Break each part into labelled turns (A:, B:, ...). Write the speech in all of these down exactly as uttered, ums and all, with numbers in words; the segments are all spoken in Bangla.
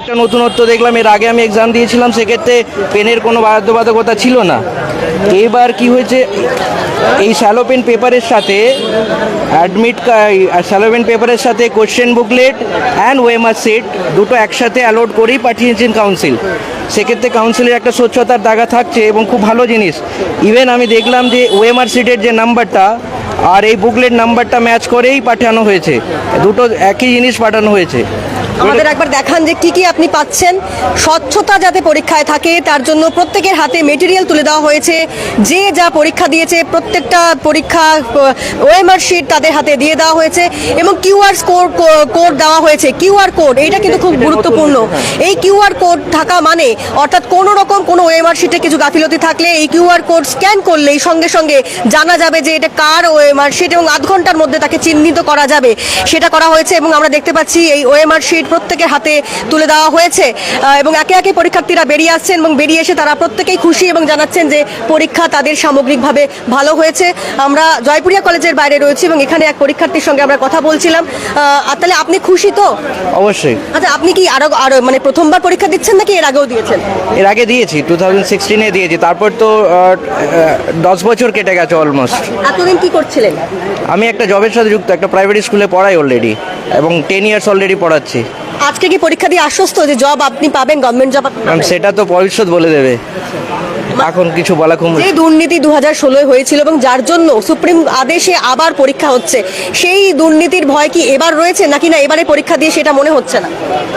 A: একটা নতুনত্ব দেখলাম। এর আগে আমি এক্সাম দিয়েছিলাম, সেক্ষেত্রে পেনের কোনো বাধ্যবাধকতা ছিল না। এবার কি হয়েছে, এই শ্যালো পেন পেপারের সাথে অ্যাডমিট শ্যালো পেন পেপারের সাথে question booklet and OMR sheet দুটো একসাথে অ্যালোড করেই পাঠিয়েছেন কাউন্সিল। সেক্ষেত্রে কাউন্সিলের একটা স্বচ্ছতার দাগা থাকছে এবং খুব ভালো জিনিস। ইভেন আমি দেখলাম যে ওয়েমার সিটের যে নাম্বারটা আর এই বুকলেট নাম্বারটা ম্যাচ করেই পাঠানো হয়েছে, দুটো একই জিনিস পাঠানো হয়েছে।
B: আমাদের একবার দেখান যে কি কি আপনি পাচ্ছেন। স্বচ্ছতা যাতে পরীক্ষায় থাকে তার জন্য প্রত্যেকের হাতে মেটেরিয়াল তুলে দেওয়া হয়েছে। যে যা পরীক্ষা দিয়েছে প্রত্যেকটা পরীক্ষা ওএমআর শিট তাদের হাতে দিয়ে দেওয়া হয়েছে এবং কিউআর কোড কোড দেওয়া হয়েছে। কিউআর কোড এইটা কিন্তু খুব গুরুত্বপূর্ণ। এই কিউআর কোড থাকা মানে অর্থাৎ কোনো রকম কোনো ওএমআর শিটে কিছু গাফিলতি থাকলে এই কিউআর কোড স্ক্যান করলেই সঙ্গে সঙ্গে জানা যাবে যে এটা কার ওএমআর শিট এবং আধ ঘন্টার মধ্যে তাকে চিহ্নিত করা যাবে, সেটা করা হয়েছে। এবং আমরা দেখতে পাচ্ছি এই ওএমআর শিট প্রত্যেকের হাতে তুলে দেওয়া হয়েছে এবং একে একে পরীক্ষার্থীরা বেরিয়ে আসছেন এবং বেরিয়ে এসে তারা প্রত্যেকেই খুশি এবং জানাচ্ছেন যে পরীক্ষা তাদের সামগ্রিকভাবে ভালো হয়েছে। আমরা জয়পুরিয়া কলেজের বাইরে রয়েছি এবং এখানে এক পরীক্ষার্থীর সঙ্গে আমরা কথা বলছিলাম। তাহলে আপনি খুশি তো?
A: অবশ্যই।
B: আচ্ছা, আপনি কি আরো আরো মানে প্রথমবার পরীক্ষা দিচ্ছেন নাকি এর আগেও দিয়েছেন?
A: এর আগে দিয়েছি, টু থাউজেন্ড সিক্সটিনে দিয়েছি। তারপর তো দশ বছর কেটে গেছে অলমোস্ট।
B: এতদিন কি করছিলেন?
A: আমি একটা জবের সাথে যুক্ত, একটা প্রাইভেট স্কুলে পড়াই অলরেডি এবং টেন ইয়ার্স অলরেডি পড়াচ্ছি।
B: আজকে কি পরীক্ষা দিয়ে আশ্বস্ত যে জব আপনি পাবেন, গভর্নমেন্ট জব?
A: ম্যাম সেটা তো ভবিষ্যৎ বলে দেবে, এখন কিছু বলা খুব।
B: যে দুর্নীতি দু হাজার ষোলোয় হয়েছিল এবং যার জন্য সুপ্রিম আদেশে আবার পরীক্ষা হচ্ছে, সেই দুর্নীতির ভয় কি এবার রয়েছে নাকি না এবারে পরীক্ষা দিয়ে সেটা মনে হচ্ছে না?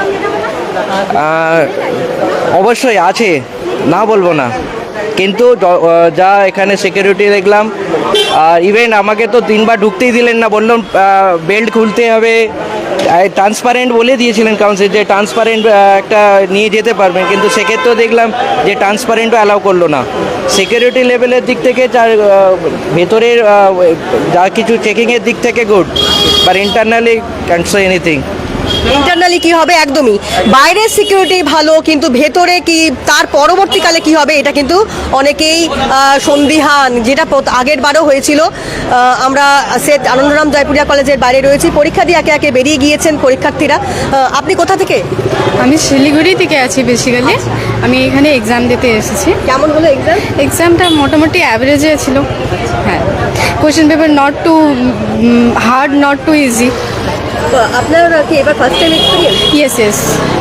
A: অবশ্যই আছে, না বলবো না, কিন্তু যা এখানে সিকিউরিটি দেখলাম, আর ইভেন আমাকে তো তিনবার ঢুকতেই দিলেন না, বললাম বেল্ট খুলতে হবে। ট্রান্সপারেন্ট বলে দিয়েছিলেন কাউন্সিল যে ট্রান্সপারেন্ট একটা নিয়ে যেতে পারবেন, কিন্তু সেক্ষেত্রেও দেখলাম যে ট্রান্সপারেন্টও অ্যালাউ করলো না। সিকিউরিটি লেভেলের দিক থেকে যার ভেতরের যা কিছু চেকিংয়ের দিক থেকে good, but internally can't say anything.
B: Internally কি হবে, একদমই বাইরের সিকিউরিটি ভালো, কিন্তু ভেতরে কি তার পরবর্তীকালে কি হবে এটা কিন্তু অনেকেই সন্দিহান, যেটা আগের বারও হয়েছিল। আমরা সেট আনন্দরাম জয়পুরিয়া কলেজের বাইরে রয়েছি, পরীক্ষা দিয়ে একে একে বেরিয়ে গিয়েছেন পরীক্ষার্থীরা। আপনি কোথা থেকে?
C: আমি শিলিগুড়ি থেকে আছি বেসিক্যালি। আমি এখানে এক্সাম দিতে এসেছি।
B: কেমন হলো এক্সাম?
C: এক্সামটা মোটামুটি অ্যাভারেজে ছিল। হ্যাঁ, question paper not too hard, not too easy.
B: আপনার কি এবার first time experience?
C: Yes yes.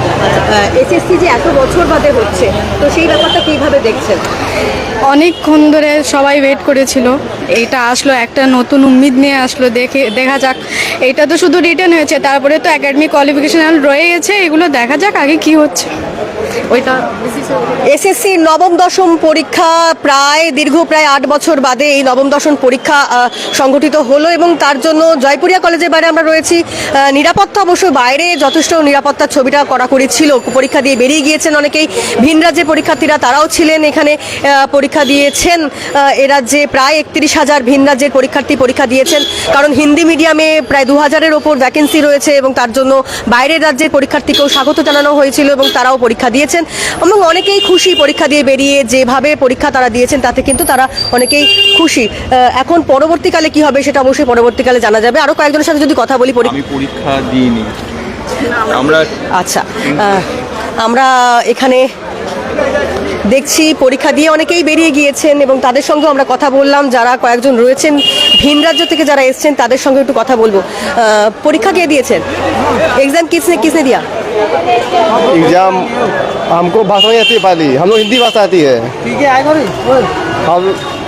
B: SSC যে এত বছর বাদে হচ্ছে, তো সেই ব্যাপারটা কীভাবে দেখছেন?
C: অনেকক্ষণ ধরে সবাই ওয়েট করেছিল, এইটা আসলো, একটা নতুন উম্মিদ নিয়ে আসলো। দেখে দেখা যাক, এইটা তো শুধু রিটেন হয়েছে, তারপরে তো একাডেমিক কোয়ালিফিকেশন রয়ে গেছে, এগুলো দেখা যাক আগে কি হচ্ছে ওইটা।
B: এসএসসি নবম দশম পরীক্ষা প্রায় দীর্ঘ প্রায় আট বছর বাদে এই নবম দশম পরীক্ষা সংগঠিত হলো এবং তার জন্য জয়পুরিয়া কলেজের বাইরে আমরা রয়েছি। নিরাপত্তা অবশ্য বাইরে যথেষ্ট নিরাপত্তার ছবিটা কড়াকড়ি ছিল। পরীক্ষা দিয়ে বেরিয়ে গিয়েছেন অনেকেই। ভিন রাজ্যের পরীক্ষার্থীরা তারাও ছিলেন এখানে, পরীক্ষা দিয়েছেন। এ রাজ্যে প্রায় একত্রিশ হাজার ভিন রাজ্যের পরীক্ষার্থী পরীক্ষা দিয়েছেন, কারণ হিন্দি মিডিয়ামে প্রায় দু হাজারের ওপর ভ্যাকেন্সি রয়েছে এবং তার জন্য বাইরের রাজ্যের পরীক্ষার্থীকেও স্বাগত জানানো হয়েছিল এবং তারাও পরীক্ষা দিয়েছেন এবং অনেকেই খুশি পরীক্ষা দিয়ে বেরিয়ে। যেভাবে পরীক্ষা তারা দিয়েছেন তাতে কিন্তু তারা অনেকেই খুশি। এখন পরবর্তীকালে কি হবে সেটা অবশ্যই পরবর্তীকালে জানা যাবে। আরও কয়েকজনের সাথে যদি কথা বলি।
D: আমি পরীক্ষা দিইনি আমরা।
B: আচ্ছা, আমরা এখানে দেখছি পরীক্ষা দিয়ে অনেকেই বেরিয়ে গিয়েছেন এবং তাদের সঙ্গে আমরা কথা বললাম। যারা কয়েকজন রয়েছেন ভিন রাজ্য থেকে যারা এসছেন তাদের সঙ্গে একটু কথা বলবো। পরীক্ষা কে দিয়েছেন? एग्जाम किसने किसने दिया?
E: एग्जाम हमको भाषा नहीं आती, पाली हम लोग हिंदी भाषा आती है। ठीक है, आएगा हम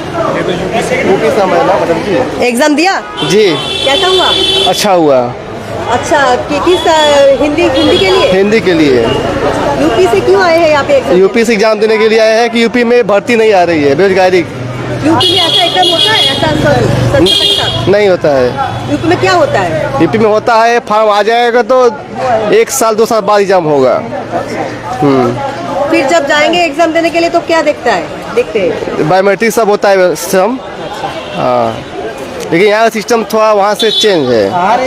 E: यूपी से है ना मैडम जी।
B: एग्जाम दिया
E: जी?
B: कैसा हुआ?
E: अच्छा हुआ।
B: अच्छा, कि, किस हिंदी हिंदी के लिए?
E: हिंदी के लिए।
B: यूपी से क्यों आए हैं यहाँ पे?
E: यूपी से एग्जाम देने के लिए आए हैं कि यूपी में भर्ती नहीं आ रही है, बेरोजगारी।
B: यूपी में ऐसा एग्जाम होता है? ऐसा
E: नहीं होता है।
B: यूपी में क्या होता है?
E: यूपी में होता है फॉर्म आ जाएगा तो एक साल दो साल बाद एग्जाम होगा। हम्म
B: फिर जब जाएंगे एग्जाम देने के लिए तो क्या देखता है देखते हैं?
E: बायोमेट्रिक सब होता है सिस्टम। हाँ, लेकिन यहाँ सिस्टम थोड़ा वहाँ से चेंज है।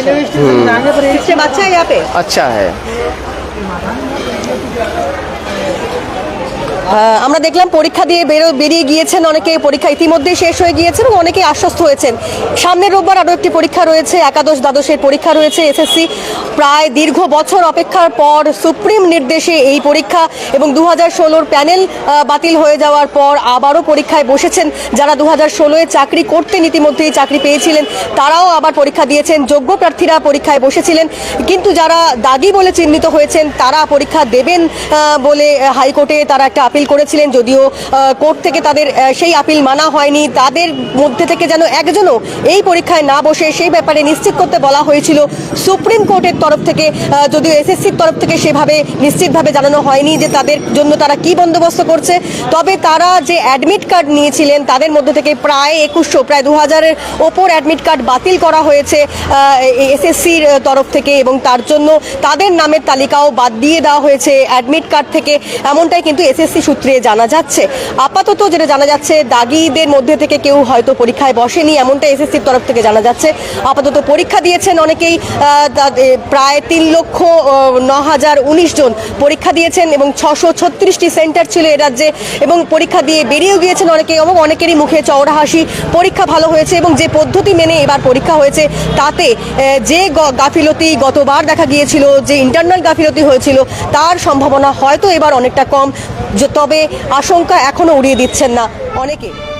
B: सिस्टम अच्छा है यहाँ पे?
E: अच्छा है।
B: আহ, আমরা দেখলাম পরীক্ষা দিয়ে বেরো বেরিয়ে গিয়েছেন অনেকে, পরীক্ষা ইতিমধ্যেই শেষ হয়ে গিয়েছে এবং অনেকে আশ্বস্ত হয়েছেন। সামনের রোববার আরও একটি পরীক্ষা রয়েছে, একাদশ দ্বাদশের পরীক্ষা রয়েছে। এসএসসি প্রায় দীর্ঘ বছর অপেক্ষার পর সুপ্রিম নির্দেশে এই পরীক্ষা এবং দু হাজার ষোলোর প্যানেল আহ, বাতিল হয়ে যাওয়ার পর আবারও পরীক্ষায় বসেছেন যারা দু হাজার ষোলোয় চাকরি করতেন, ইতিমধ্যেই চাকরি পেয়েছিলেন, তারাও আবার পরীক্ষা দিয়েছেন। যোগ্য প্রার্থীরা পরীক্ষায় বসেছিলেন, কিন্তু যারা দাগি বলে চিহ্নিত হয়েছেন তারা পরীক্ষা দেবেন আহ, বলে হাইকোর্টে তারা একটা আপিল করেছিলেন, যদিও কোর্ট থেকে তাদের আহ, সেই আপিল মানা হয়নি। তাদের মধ্যে থেকে যেন একজনও এই পরীক্ষায় না বসে সেই ব্যাপারে নিশ্চিত করতে বলা হয়েছিল সুপ্রিম কোর্টের তরফ থেকে, আহ, যদিও এসএসসির তরফ থেকে সেভাবে নিশ্চিতভাবে জানানো হয়নি যে তাদের জন্য তারা কি বন্দোবস্ত করছে। তবে তারা যে অ্যাডমিট কার্ড নিয়েছিলেন তাদের মধ্যে থেকে প্রায় একুশশো প্রায় দু হাজারের ওপর অ্যাডমিট কার্ড বাতিল করা হয়েছে এসএসসির তরফ থেকে, এবং তার জন্য তাদের নামের তালিকাও বাদ দিয়ে দেওয়া হয়েছে অ্যাডমিট কার্ড থেকে, এমনটাই কিন্তু এসএসসি সূত্রে জানা যাচ্ছে। আপাতত যেটা জানা যাচ্ছে দাগিদের মধ্যে থেকে কেউ হয়তো পরীক্ষায় বসেনি, এমনটা এসএসসির তরফ থেকে জানা যাচ্ছে। আপাতত পরীক্ষা দিয়েছেন অনেকেই, আহ, তা- এ, প্রায় তিন লক্ষ আহ, ন হাজার উনিশ জন পরীক্ষা দিয়েছেন এবং ছশো ছত্রিশটি সেন্টার ছিল এ রাজ্যে, এবং পরীক্ষা দিয়ে বেরিয়েও গিয়েছেন অনেকে, এবং অনেকেরই মুখে চওড়া হাসি, পরীক্ষা ভালো হয়েছে এবং যে পদ্ধতি মেনে এবার পরীক্ষা হয়েছে তাতে আহ, যে গ- গাফিলতি গতবার দেখা গিয়েছিল, যে ইন্টারনাল গাফিলতি হয়েছিল তার সম্ভাবনা হয়তো এবার অনেকটা কম, যে- তবে আশঙ্কা এখনো উড়িয়ে দিচ্ছেন না অনেকে।